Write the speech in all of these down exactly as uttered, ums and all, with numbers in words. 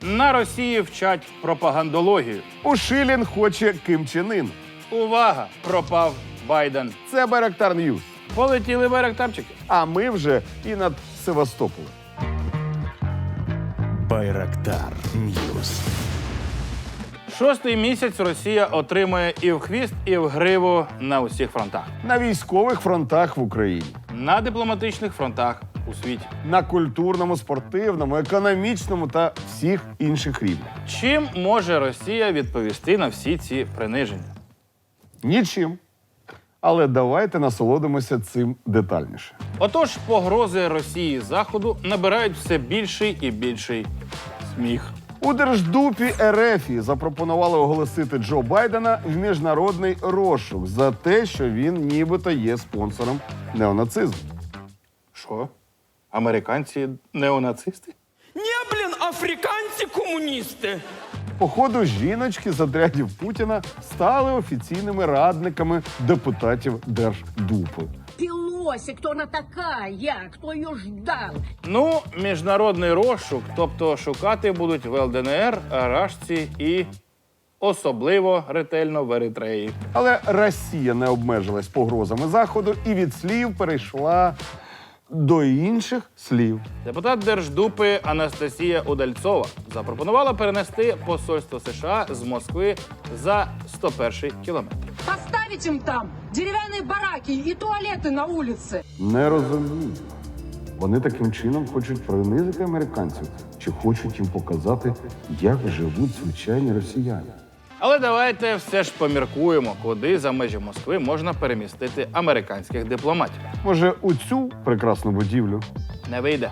На Росії вчать пропагандологію. Ушилін хоче Ким Чен Ін. Увага! Пропав Байден. Це Байрактар Ньюс. Полетіли байрактарчики. А ми вже і над Севастополем. Байрактар Ньюс. Шостий місяць Росія отримує і в хвіст, і в гриву на усіх фронтах. На військових фронтах в Україні. На дипломатичних фронтах у світі. На культурному, спортивному, економічному та всіх інших рівнях. Чим може Росія відповісти на всі ці приниження? Нічим. Але давайте насолодимося цим детальніше. Отож, погрози Росії Заходу набирають все більший і більший сміх. У Держдупі РФ запропонували оголосити Джо Байдена в міжнародний розшук за те, що він нібито є спонсором неонацизму. Що? Американці неонацисти? Не, блин, африканцы-коммунисты. Походу, жіночки з отрядів Путіна стали офіційними радниками депутатів Держдупи. Пелоси, кто она такая? Кто ее ждал? Ну, міжнародний розшук, тобто шукати будуть в ЛДНР, Рашці і особливо ретельно в Еритреї. Але Росія не обмежилась погрозами Заходу і від слів перейшла до інших слів. Депутат Держдупи Анастасія Удальцова запропонувала перенести посольство США з Москви за сто перший кілометр. Поставить им там деревянные бараки и туалеты на улице. Не розумію. Вони таким чином хочуть принизити американців чи хочуть їм показати, як живуть звичайні росіяни. Але давайте все ж поміркуємо, куди за межі Москви можна перемістити американських дипломатів. Може, у цю прекрасну будівлю? Не вийде.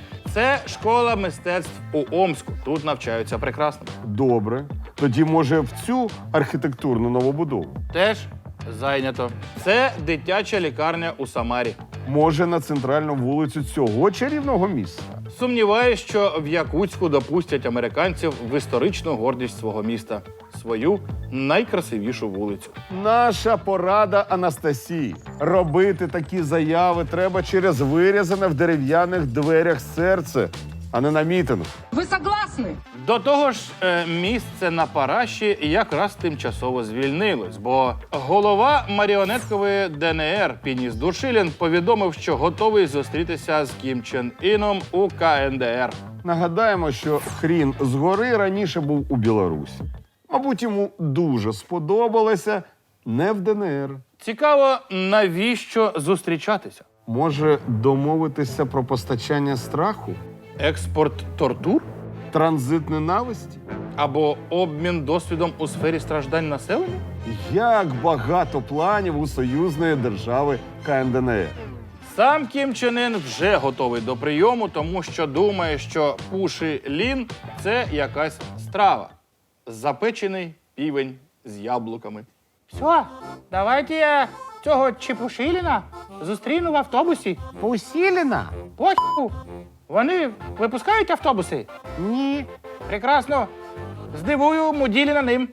Це школа мистецтв у Омську. Тут навчаються прекрасно. Добре. Тоді, може, в цю архітектурну новобудову? Теж зайнято. Це дитяча лікарня у Самарі. Може, на центральну вулицю цього чарівного міста? Сумніваюсь, що в Якутську допустять американців в історичну гордість свого міста. Свою найкрасивішу вулицю. Наша порада Анастасії. Робити такі заяви треба через вирізане в дерев'яних дверях серце, а не на мітингу. Вы согласны? До того ж, е, місце на Параші якраз тимчасово звільнилось, бо голова маріонеткової ДНР Пініс Душилін повідомив, що готовий зустрітися з Кім Чен Іном у КНДР. Нагадаємо, що хрін згори раніше був у Білорусі. Мабуть, йому дуже сподобалося не в ДНР. Цікаво, навіщо зустрічатися? Може, домовитися про постачання страху? Експорт тортур? Транзит ненависті? Або обмін досвідом у сфері страждань населення? Як багато планів у союзної держави КНДР. Сам Кім Чен Ін вже готовий до прийому, тому що думає, що пуші лін – це якась страва. Запечений півень з яблуками. Все, давайте я цього Чепушиліна зустріну в автобусі. Пусіліна? Поху. Вони випускають автобуси? Ні. Прекрасно. Здивую Муділіна ним.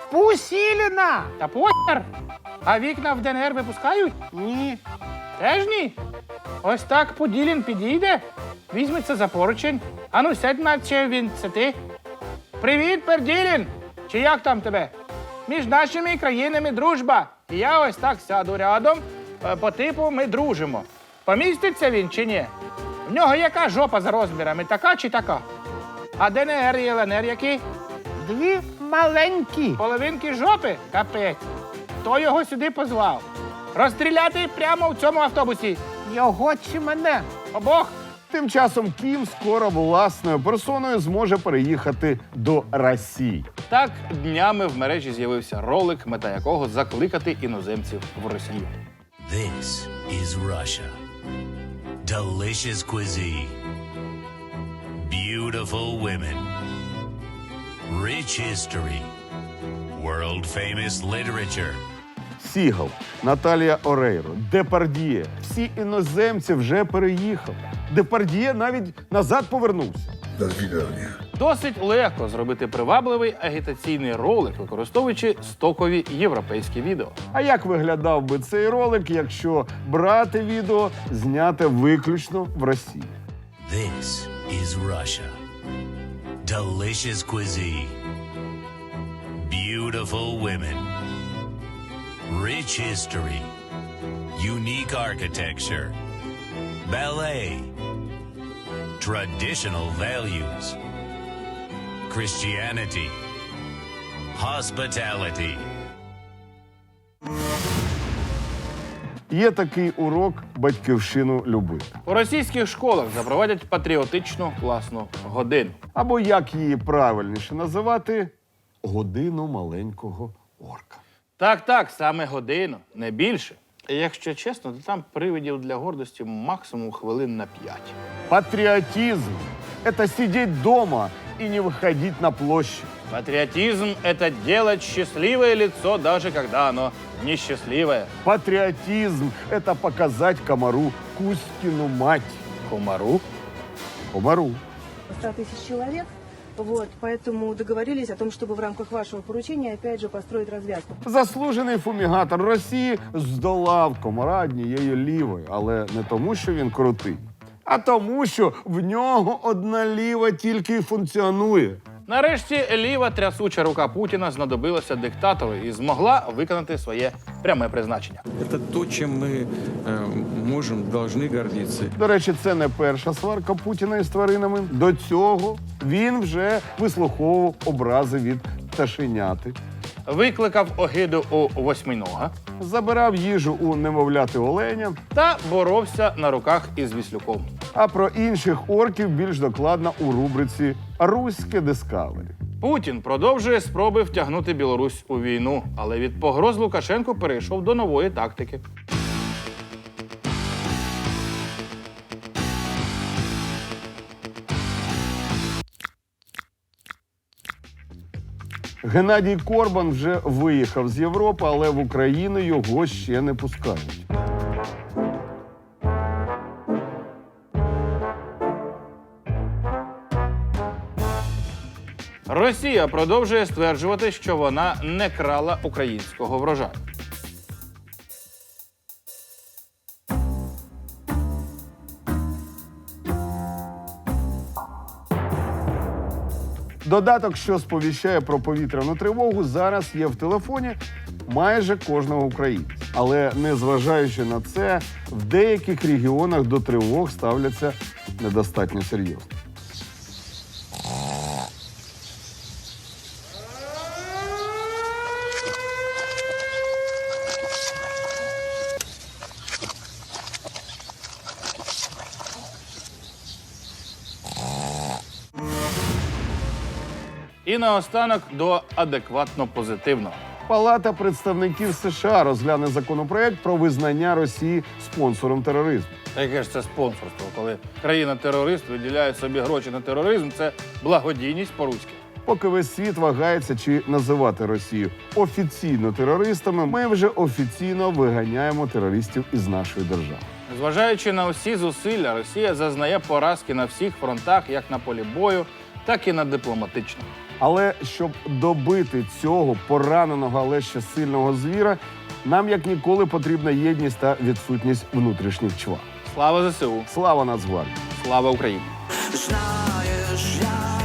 Пусіліна? Та похер. А вікна в ДНР випускають? Ні. Теж ні. Ось так Поділін підійде, візьметься за поручень. Ану, сядь, наче він це ти. Привіт, Перділін! Чи як там тебе? Між нашими країнами дружба. І я ось так сяду рядом, е, по типу ми дружимо. Поміститься він чи ні? В нього яка жопа за розмірами, така чи така? А ДНР і ЛНР які? Дві маленькі. Половинки жопи? Капець. Хто його сюди позвав? Розстріляти прямо в цьому автобусі. Його чи мене? Обох. Тим часом Кім скоро власною персоною зможе переїхати до Росії. Так, днями в мережі з'явився ролик, мета якого закликати іноземців в Росію. This is Russia. Delicious cuisine. Beautiful women. Rich history. World-famous literature. Сігал, Наталія Орейро, Депардьє. Всі іноземці вже переїхали. Депардьє навіть назад повернувся. Досить легко зробити привабливий агітаційний ролик, використовуючи стокові європейські відео. А як виглядав би цей ролик, якщо брати відео, зняте виключно в Росії? This is Russia. delicious cuisine, beautiful women, rich history, unique architecture, ballet, traditional values, Christianity, hospitality. Є такий урок батьківщину любити. У російських школах запровадять патріотичну класну годину. Або як її правильніше називати годину маленького орка. Так, так, саме годину, не більше. І якщо чесно, то там привидів для гордості максимум хвилин на п'ять. Патриотизм – это сидеть дома и не выходить на площадь. Патриотизм – это делать счастливое лицо, даже когда оно несчастливое. Патриотизм – это показать комару Кузькину мать. Комару? Комару. ста тысяч человек. Вот, поэтому договорились о том, чтобы в рамках вашего поручения опять же построить развязку. Заслужений фумігатор Росії здолав комара однією лівою, але не тому, що він крутий, а тому, що в нього одна ліва тільки й функціонує. Нарешті ліва трясуча рука Путіна знадобилася диктатору і змогла виконати своє пряме призначення. Это то, чем мы э, можем, должны гордиться. До речі, це не перша сварка Путіна із тваринами. До цього він вже вислуховував образи від пташеняти, Викликав огиду у восьминога забирав їжу у немовляти оленя, та боровся на руках із Віслюком. а про інших орків більш докладно у рубриці «Руське Дискавері». Путін продовжує спроби втягнути Білорусь у війну, але від погроз Лукашенко перейшов до нової тактики. Геннадій Корбан вже виїхав з Європи, але в Україну його ще не пускають. Росія продовжує стверджувати, що вона не крала українського врожаю. Додаток, що сповіщає про повітряну тривогу, зараз є в телефоні майже кожного українця. Але незважаючи на це, в деяких регіонах до тривог ставляться недостатньо серйозно. І наостанок до адекватно позитивного. Палата представників США розгляне законопроект про визнання Росії спонсором тероризму. Та яке ж це спонсорство, коли країна-терорист виділяє собі гроші на тероризм, це благодійність по-руськи. Поки весь світ вагається, чи називати Росію офіційно терористами, ми вже офіційно виганяємо терористів із нашої держави. Зважаючи на усі зусилля, Росія зазнає поразки на всіх фронтах, як на полі бою, так і на дипломатичному. Але щоб добити цього пораненого, але ще сильного звіра, нам як ніколи потрібна єдність та відсутність внутрішніх чвар. Слава ЗСУ! Слава Нацгвардії! Слава Україні! Знаєш, я